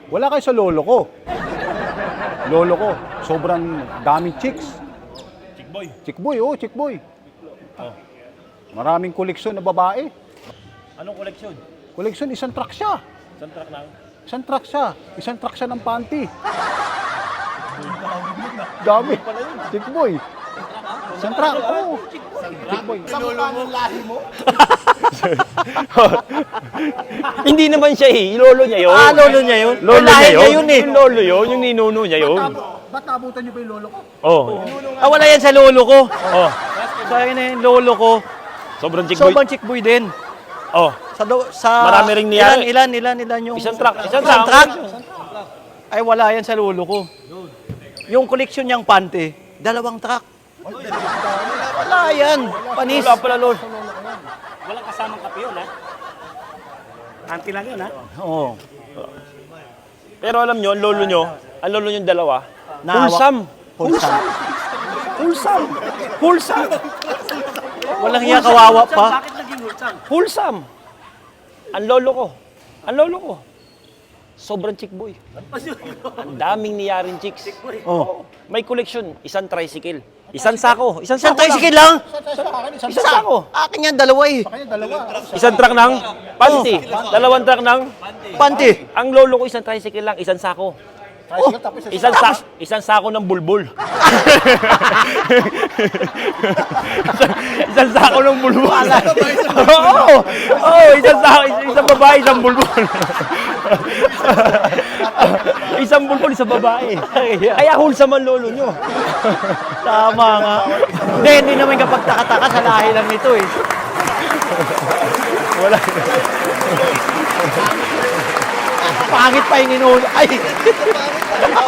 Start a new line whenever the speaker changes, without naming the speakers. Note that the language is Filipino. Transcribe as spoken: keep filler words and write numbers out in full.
Wala kayo sa lolo ko. Lolo ko, sobrang daming chicks.
Chick boy.
Chick boy, oh, chick boy.
Oh.
Maraming koleksyon na babae.
Anong koleksyon?
Koleksyon, isang truck siya.
Isang truck lang.
Isang truck siya. Isang truck siya ng panty. Dami. Chick boy. Isang truck, oh. Chick boy.
Lolo lahi mo?
Hindi naman siya eh. Lolo niya yun.
Ah, lolo niya yun?
Lolo
Lahi
niya
niya
yun.
yun eh.
Yung lolo yun. Yung ninuno niya yun.
Ba't naabutan niyo pa yung lolo ko?
Oh.
Ah, wala yan sa lolo ko.
Oh.
Sa akin na yung lolo ko.
Sobrang chick boy.
Sobrang chick boy din.
Oh.
Sa, do, sa
Marami ring niyari.
Ilan, ilan, ilan, ilan yung...
Isang truck. Isang
Isang
truck.
truck? Ay, wala yan sa lolo ko. Yung koleksyon niyang pante, dalawang truck. Wala yan. Panis.
Wala pala lolo.
Walang kasamang kape yun, ha? Auntie lang yun, ha?
Oo. Pero alam nyo, ang lolo nyo, ang lolo nyo dalawa,
Nahawak.
wholesome.
Wholesome.
Wholesome. Wholesome.
Walang hiya, kawawa pa.
Bakit naging hulsang?
Wholesome. Ang lolo ko. Ang lolo ko. Sobrang chick boy. Ang daming niyaring chicks.
Oh.
May koleksyon, isang tricycle. Isang sako. Isang
Isang
sako
tricycle
lang.
lang.
Isang
Isang sako.
Akin yan, dalawa eh.
kanya, dalawa.
Isang truck ng panty. Dalawang truck ng
Pante.
ang lolo ko isang tricycle lang, isang sako.
Tricycle, tapos isang
Isang sa isang sako ng bulbul. isang, isang sako ng bulbul. Oo. Oo, isang sako, isang babae, isang bulbul. isang bulbul, isang babae. Kaya wholesome ang lolo nyo.
Tama nga. Hindi, hindi naman kapag taka-taka sa lahi lang nito eh.
Wala.
Pangit pa yung inulo. Ay!